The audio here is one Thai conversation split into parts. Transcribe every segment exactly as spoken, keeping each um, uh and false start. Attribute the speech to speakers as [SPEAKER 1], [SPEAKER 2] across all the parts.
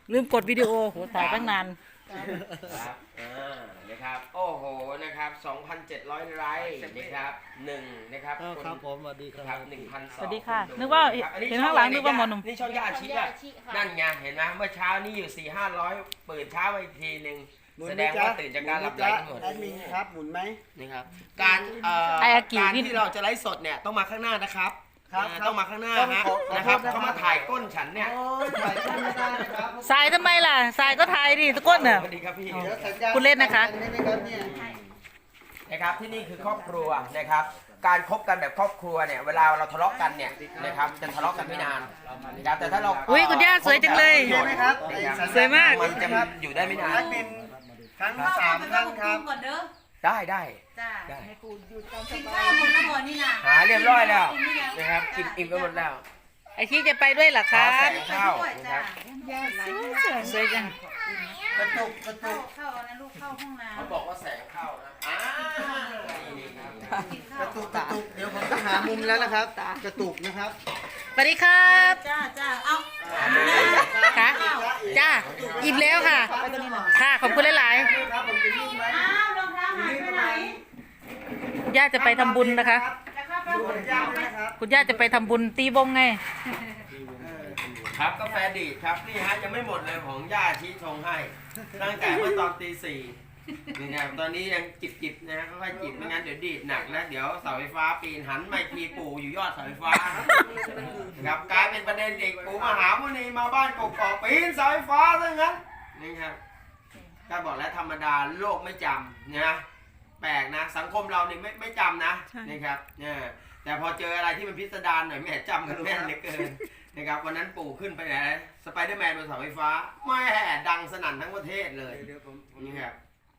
[SPEAKER 1] ลืมกดวิดีโอโหถ่ายตั้งนาน
[SPEAKER 2] ครับอ่านะครับโอ้โหนะครับ สองพันเจ็ดร้อย ไลค์นะครับหนึ่งนะครับ
[SPEAKER 3] ครับผมสวัสดีค
[SPEAKER 2] ค
[SPEAKER 3] รั
[SPEAKER 2] รั
[SPEAKER 3] บบ
[SPEAKER 2] หนึ่งพันส
[SPEAKER 1] ส
[SPEAKER 2] อง
[SPEAKER 1] วัสดีค่ะ
[SPEAKER 2] ดู
[SPEAKER 1] นึกว่า
[SPEAKER 2] ครับอั
[SPEAKER 1] เห็นข้างหลังนึกว่าหมอหนุ่ม
[SPEAKER 2] นี่ช่องย่าอาชีพอะนั่นไงเห็นไหมเมื่อเช้านี่อยู่สี่ห้าร้อยเปิดเช้ามาอีกทีหนึ่งแสดงว่าตื่นจากการหลับไหลกันหมด
[SPEAKER 3] แอดมินครับหมุนไหม
[SPEAKER 2] นะครับการเอ่อ
[SPEAKER 1] ไอ้อากิ
[SPEAKER 2] การ
[SPEAKER 1] พี่
[SPEAKER 2] ที่เราจะไลฟ์สดเนี่ยต้องมาข้างหน้านะครับ
[SPEAKER 3] ครับ
[SPEAKER 2] อ่าต้องมาข้างหน้า
[SPEAKER 3] ต้อง
[SPEAKER 2] ฮะ
[SPEAKER 3] ขอขอ
[SPEAKER 2] นะครับ
[SPEAKER 3] โทษนะครับ
[SPEAKER 2] เขามาถ่ายก้นฉันเนี่ย
[SPEAKER 3] โอ้ยถ่ายไม่ได้นะครับ
[SPEAKER 1] สายทำไมล่ะสายก็ถ่ายดิตะก้นน่ะ
[SPEAKER 2] สวัสดีครับพี่
[SPEAKER 3] เดี๋ยวสัญญาณ
[SPEAKER 1] คุณเล่นนะคะ
[SPEAKER 3] ได้ไหมครับเนี่ย
[SPEAKER 2] นะครับที่นี่คือครอบครัวนะครับการคบกันแบบครอบครัวเนี่ยเวลาเราทะเลาะกันเนี่ยนะครับจะทะเลาะกันไม่นานนะครับแต่ถ้าเรา
[SPEAKER 1] อุ๊ยคุณย่าสวยจังเลย
[SPEAKER 3] ใช่ไหมครับ
[SPEAKER 1] สวยมาก
[SPEAKER 2] มันจะอยู่ได้ไม่นาน
[SPEAKER 3] แอดมินทั้งสามท่านครับ
[SPEAKER 4] ก่อนเด้อ
[SPEAKER 2] ได้ได้
[SPEAKER 4] จ้า
[SPEAKER 2] ได้
[SPEAKER 4] กินข้าวหมดแล้วหมดนี่นะ
[SPEAKER 2] หาเรียบร้อยแล้วนะครับกินอิ่มกันหมดแล้ว
[SPEAKER 1] ไอชี้จะไปด้วยเหรอ
[SPEAKER 2] ข
[SPEAKER 1] ค
[SPEAKER 2] อ
[SPEAKER 1] รับ
[SPEAKER 2] แสงเข้านะครับ
[SPEAKER 1] สวยจัง
[SPEAKER 3] กระตุกกระ
[SPEAKER 4] เข้า
[SPEAKER 3] ตุก
[SPEAKER 4] เข้านะลูกเข้าห้องน้
[SPEAKER 2] เขาบอกว่าแสงเข้านะอ่านี่ครับ
[SPEAKER 4] ำกิน
[SPEAKER 3] ก
[SPEAKER 4] ข้าว
[SPEAKER 3] ระตุกกระตุกเดี๋ยวผมจะหามุมแล้วนะครับ กระตุกนะครับ
[SPEAKER 1] สวัสดีครับ
[SPEAKER 4] จ้าจ้าเอา
[SPEAKER 1] ค่ะจ้าอิ่มแล้วค่ะ ค่ะขอบคุณหลาย
[SPEAKER 3] ครับผมจะยุ่งไหม
[SPEAKER 4] อ้าวรองเท้าหายไปไหน
[SPEAKER 1] ๆย่าจะไปทำบุญนะคะ
[SPEAKER 4] จะเข้าไป
[SPEAKER 3] ดู
[SPEAKER 4] หม
[SPEAKER 3] ผ
[SPEAKER 4] ด
[SPEAKER 3] ม
[SPEAKER 4] ยั
[SPEAKER 3] ย่าง
[SPEAKER 4] ง
[SPEAKER 3] ด้วยนะครับ
[SPEAKER 1] คุณย่าจะไปทำบุญตีบงไง
[SPEAKER 2] ครับกาแฟดีดครับนี่ฮะยังไม่หมดเลยของย่าชี้ชงให้ตั้งแต่เมื่อตอนตีสี่นี่นะครับตอนนี้ยังจิบจิบๆนะค่อยๆจิบไม่งั้นเดี๋ยวดีดหนักนะเดี๋ยวเสาไฟฟ้าปีนหันไม่ทีปู่อยู่ยอดเสาไฟฟ้าครับกลายเป็นประเด็นอีกปู่มหามุนีมาบ้านกกอกปีนเสาไฟฟ้าซะงั้นนี่ครับก็บอกแล้วธรรมดาโลกไม่จำนะแปลกนะสังคมเราเนี่ยไม่ไม่จำนะนี่ครับเนี่ยแต่พอเจออะไรที่มันพิสดารหน่อยแม่จำกันแม่นเหลือเกิน นะครับวันนั้นปู่ขึ้นไปไหนสไปเดอร์แมนบนเสาไฟฟ้าแม่ดังสนั่นทั้งประเทศเลย
[SPEAKER 3] เดี๋ยวผมผม
[SPEAKER 2] นี่ครับ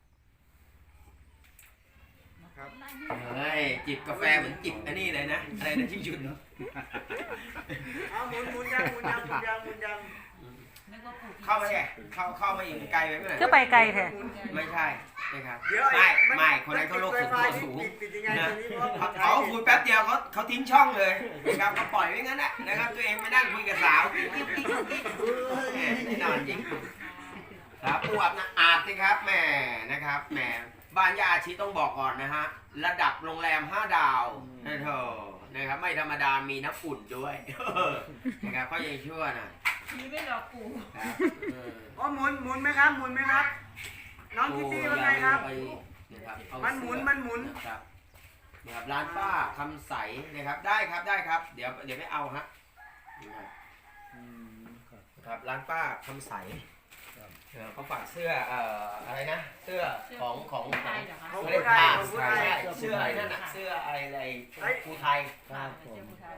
[SPEAKER 3] ครับ
[SPEAKER 2] เฮ้ยจิบกาแฟเหมือนจิบอันนี้เลยนะอะไรนะที่หยุดเนาะ
[SPEAKER 3] เอาหมุนหมุนยังหมุนยังหมุนยังหมุนยัง
[SPEAKER 4] นึกว่าปลูก
[SPEAKER 2] เข้ามาแค่เข้าเข้ามาอีกไกลไปไหม
[SPEAKER 1] ก็ไปไกลแท้
[SPEAKER 2] ไม่ใช่นะครับ
[SPEAKER 3] เดี๋ยว
[SPEAKER 2] ไม่
[SPEAKER 3] อ้
[SPEAKER 2] ไม่คนนั้นเขาโลกสูงตัวสูง
[SPEAKER 3] ปิดปิดยังไง
[SPEAKER 2] นะ
[SPEAKER 3] ตัวนี้เพราะว่า
[SPEAKER 2] เขาคุยแป๊บเดียวเขาเขาทิ้งช่องเลยนะครับเขาปล่อยไว้งั้นแหละนะครับตัวเองไปนั่งคุยกับสาวแหมแน่นอนจริงครับปูอับนะอาจสิครับแหมนะครับแหมบ้านยาอาชีต้องบอกก่อนนะฮะระดับโรงแรมห้าดาวนะเธอนะครับไม่ธรรมดามีน้ำอุ่นด้วยนะครับก็ยังชั่วนะ
[SPEAKER 4] มีไม่หลอกปู่
[SPEAKER 2] ครับเออ
[SPEAKER 3] อ๋อหมุนหมุนไหมครับหมุนไหมครับ น้องคิตตี้ว่าไงครับ
[SPEAKER 2] ไปนะครับเอา
[SPEAKER 3] มันหมุนมันหมุน
[SPEAKER 2] นะครับนะครับร้านป้าคำใสนะครับได้ครับได้ครับ เดี๋ยวเดี๋ยวไม่เอาฮะนะครับครับร้านป้าคำใสเออเขาฝากเสื้อเอ่ออะไรนะเสื้อของของ
[SPEAKER 4] ไทยเหรอคะ
[SPEAKER 3] ของ
[SPEAKER 2] ไม่
[SPEAKER 3] ผู้
[SPEAKER 2] ได้
[SPEAKER 3] ไทย
[SPEAKER 2] ผ้า
[SPEAKER 3] ของผู้
[SPEAKER 2] ใช่
[SPEAKER 3] ไทย
[SPEAKER 2] เสื้ออะไรนั่นน่ะเสื้ออะไรอะไรภูไทย
[SPEAKER 3] ครับผม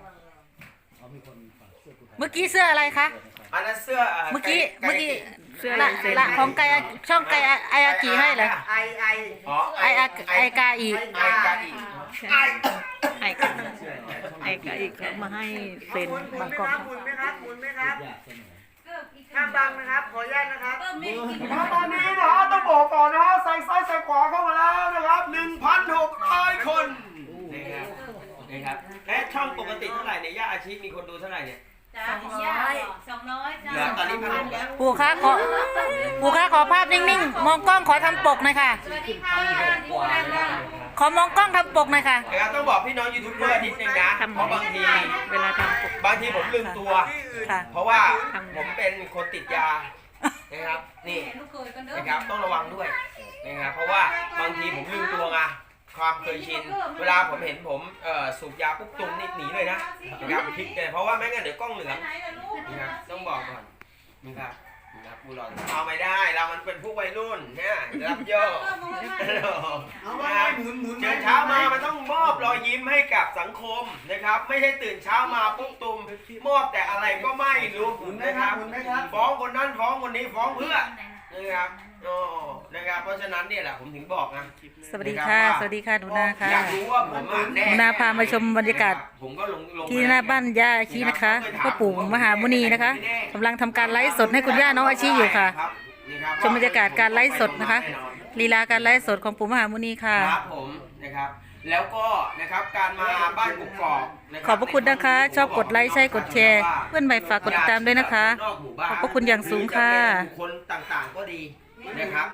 [SPEAKER 1] เมื่อกี้เสื้ออะไรคะ
[SPEAKER 2] อันนั้นเสื้อ
[SPEAKER 1] เมื่อกี้
[SPEAKER 2] ไ
[SPEAKER 1] เมื่อกี้
[SPEAKER 2] เสื้อ
[SPEAKER 1] ละละของไกอาช่องไกอาไออากิให้เหรอ
[SPEAKER 3] ไอไอ
[SPEAKER 2] อ๋อ
[SPEAKER 1] ไออาไอกาอี
[SPEAKER 2] ไอกาอี
[SPEAKER 1] ไอไอกาไอกาอีเขามาให้เซ็น
[SPEAKER 3] หมุนหมุ
[SPEAKER 1] บาน ง
[SPEAKER 3] ไหม
[SPEAKER 1] กอก
[SPEAKER 3] ครับหมุนไหมครับหมุนไหมครับ
[SPEAKER 4] เกิดอีก
[SPEAKER 3] ห้ามบังนะครับ ขออนุญาตนะครับ
[SPEAKER 4] เออไม่กิน
[SPEAKER 2] ตอนนี้นะฮะต้องบอกก่อนนะฮะใส่ซ้ายใส่ขวาเข้ามาแล้วนะครับหนึ่งพันหกร้อยคนนี่ครับนี่ครับเอ๊ะช่องปกติเท่าไหร่เนี่ยย่าอาชีพมีคนดูเท่าไหร่เนี่ย
[SPEAKER 4] จ้าสองร้อยสองร้อยจ้า
[SPEAKER 2] เหลือตอนนี้พันหกแล้ว
[SPEAKER 1] ปู่คะขอปู่คะขอภาพนิ่งๆ มองกล้องขอทำปกหน่อยค่ะ
[SPEAKER 4] สวัสดีค่ะดูแลค่ะ
[SPEAKER 1] ขอมองกล้องทำปกหน่อยค่ะ
[SPEAKER 2] นะครับต้องบอกพี่น้องยูทูบเบอร์นิดนึงนะ
[SPEAKER 1] ทำ
[SPEAKER 2] เพราะบางที
[SPEAKER 1] เวลาทำปก
[SPEAKER 2] บางทีผมลืมตัว
[SPEAKER 3] ที่อื่น
[SPEAKER 1] ค่ะ
[SPEAKER 2] เพราะว่าผมเป็นคนติดยานะครับนี่
[SPEAKER 4] เห็นลูกเคยกันเด้อ
[SPEAKER 2] นะครับต้องระวังด้วยนะครับเพราะว่าบางทีผมลืมตัวไงความเคยชิน เวลาผมเห็นผมเอ่อสูบยาปุ๊บตุมนี่หนีเลยนะนะครับพลิกเลยเพราะว่าไม่งั้นเดี๋ยวกล้องเหลือง
[SPEAKER 4] ไหนล่ะลูก
[SPEAKER 2] นะครับต้องบอกก่อนนะครับนะครับบุหรี่เอาไม่ได้เรามันเป็นผู้วัยรุ่นเนี่ยรับโยก
[SPEAKER 3] เอาว่าไงหมุนหมุน
[SPEAKER 2] เช้าเช้ามามันต้องมอบรอยยิ้มให้กับสังคมนะครับ ไม่ใช่ตื่นเช้ามาปุ๊บตุมมอบแต่อะไรก็ไม่รู้
[SPEAKER 3] หมุนไหม
[SPEAKER 2] นะ
[SPEAKER 3] ค
[SPEAKER 2] ค
[SPEAKER 3] รั
[SPEAKER 2] รั
[SPEAKER 3] บบ หมุนไหมครับ
[SPEAKER 2] ฟ้องคนนั้นฟ้องคนนี้ฟ้องเพื่อนะครับโอ้นะครับเพราะฉะนั้นเนี่ยแหละผมถึงบอกนะ
[SPEAKER 1] สวัสดีค่ะ สวัสดีค่ะหนูนาค่ะ
[SPEAKER 2] อยากรู้ว่าผมอ่ะแน่
[SPEAKER 1] หนูนาพามาชมบรรยากาศ
[SPEAKER 2] ผมก็ลงลง
[SPEAKER 1] ที่หน้าบ้านย่าอาชีนะคะพ่อปู่มหามุนีนะคะกำลังทำการไลฟ์สดให้คุณย่าน้องอาชีอยู่ค่ะ
[SPEAKER 2] รับนี่ครับ
[SPEAKER 1] ชมบรรยากาศการไลฟ์สดนะคะลีลาการไลฟ์สดของปู่มหามุนีค่ะ
[SPEAKER 2] ครับผมนะครับแล้วก็นะครับการมาบ้านกกอกนะ
[SPEAKER 1] ขอบพระคุณนะคะ ชอบกดไลค์ใช่กดแชร์ เพื่อนใหม่ฝากกดติดตามด้วยนะคะ ขอบพระคุณอย่างสูงค่ะ
[SPEAKER 2] หรือจเป็นบุคคลต่างๆก็ดีนะครับ